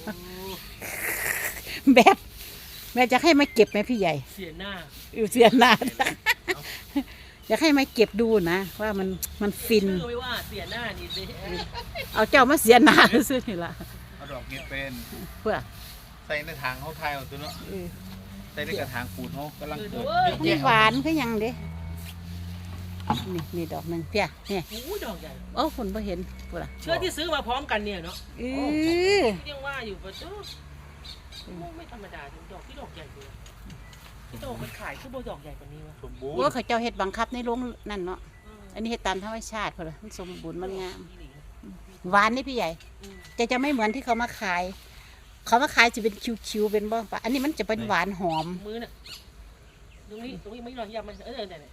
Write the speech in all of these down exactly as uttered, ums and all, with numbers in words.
แบบแม่จะให้มาเก็บไหมพี่ใหญ่เสียหน้าอยู่เสียหน้าอยากให้มาเก็บดูนะว่ามันมันฟินชื่อไม่ว่าเสียหน้านี่สิเอาเจ้ามาเสียหน้าซื้อนี่ละเอาดอกเห็ดเป็นเพื่อใส่ในถังเขาทายเอาตัวเนาะใส่ในกระถางปูนเขากำลังเกิดนี่หวานก็ยังเด้นี่นี่ดอกหนึ่งเพี้ยเนี่ยโอ้ดอกใหญ่โอ้คนไม่เห็นพูดละเชื่อที่ซื้อมาพร้อมกันเนี่ยเนาะเออยังว่าอยู่ประตูไม่ธรรมดาถึงดอกที่ดอกใหญ่เลยที่โตมันขายคือโบดอกใหญ่กว่านี้วะสมบูรณ์ว่าเขาเจ้าเห็ดบังคับในโรงนั่นเนาะอันนี้เห็ดตามธรรมชาติพอละมันสมบูรณ์มันงามหวานนี่พี่ใหญ่จะจะไม่เหมือนที่เขามาขายเขามาขายจะเป็นคิวๆเป็นบ้างปะอันนี้มันจะเป็นหวานหอมมือน่ะตรงนี้ตรงนี้ไม่รอยยำมันเออเนี่ย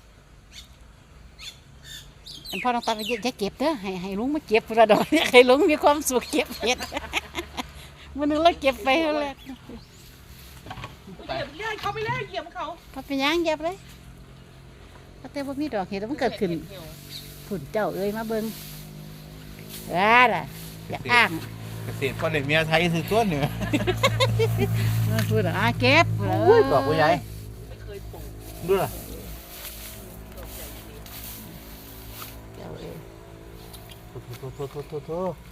อันพ่อต้องตามไปจะเก็บเด้อให้ให้ลุงมาเก็บระดอกเนี่ยให้ลุงมีความสุขเก็บเห็ดมันนึกเราเก็บไปเท่าไหร่เหยียบเลื่อยเขาไปเลยเหยียบเขาเขาไปย่างเก็บเลยเขาแต่ว่ามีดอกเห็ดมันเกิดขึ้นผุ่นเจ้าเอ้ยมาเบิ้งว้าล่ะอย่าอ้างเกษตรพ่อเด็กเมียไทยคือตัวเหนือพูดอ่ะเก็บเลยดอกใหญ่ไม่เคยปลูกดูล่ะเจ้าเอ้ยโถโถโถโถโถโถ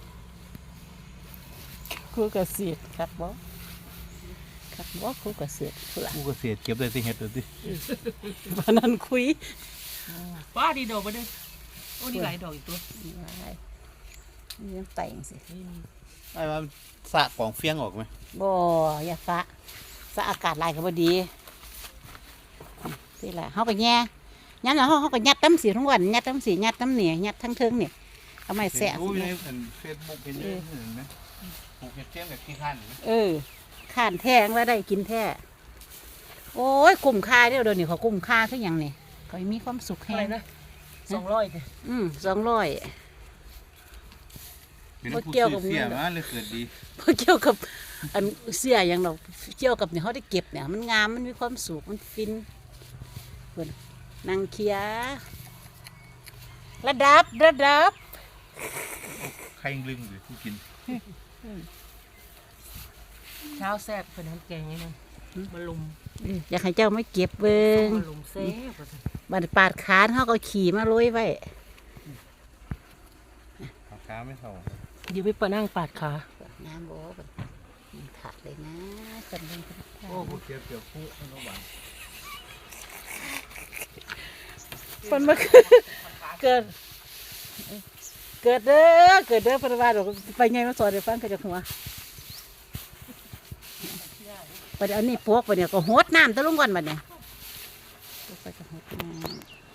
ครูเกษตรครับบ่ครับบ่ครูเกษตรพูดละกูเกษตรเก็บได้ที่เห็ดเลยสิวันนั้นคุยป้าดีดอกมาด้วยโอ้นี่หลายดอกอีกตัวนี่ยังแต่งสิไอ้ว่าสะของเฟี้ยงออกไหมบ่อย่าฟ้าสะอากาศลายก็บ่ดีนี่แหละเขาไปแง่ยัดแล้วเขาเขาก็ยัดตั้มสีทั้งวันยัดตั้มสียัดตั้มเหนียยัดทั้งเทิงเนี่ยเอาไม้แสะรู้ในเฟซบุ๊กเป็นยังไงนะปลูกเห็ดเฟี้ยงกับขี้ข้านเออข้านแท้งว่าได้กินแท้โอ้ยกลุ่มค่าเดี๋ยวเดี๋ยวนี้เขากลุ่มค่าทุกอย่างเนี่ยเขามีความสุขแห้งนะสองร้อยเลยอืมสองร้อยพอเกี่ยวกับเสียมาเลยเกิดดีพอเกี่ยวกับอันเสียอย่างเราเกี่ยวกับเนี่ยเขาได้เก็บเนี่ยมันงามมันมีความสุขมันฟินเพื่อนนางเคียระดับระดับใครลึงหรือผู้กินเช้าแซ่บเป็นน้ำแกงนี่นะมาลุมอยากให้เจ้าไม่เก็บเบิ้งมาลุมแซ่บบัดปาดขาเขาก็ขี่มาโรยไว้ปาดขาไม่เท่าอยู่ไปปะนั่งปาดขาน้ำโบ้กันขาดเลยนะกันเลยโอ้โหเกี่ยวเกี่ยวคู่ให้น้องบ้านมันมาเกิดเกิดเด้อเกิดเด้อพระบาทไปไงมาสอนเดี๋ยวฟังกันจากหัวไปเดี๋ยวนี้พวกไปเนี่ยก็โหดน้ำตะลุงก่อนบัดเนี่ยไปจะโหดน้ำ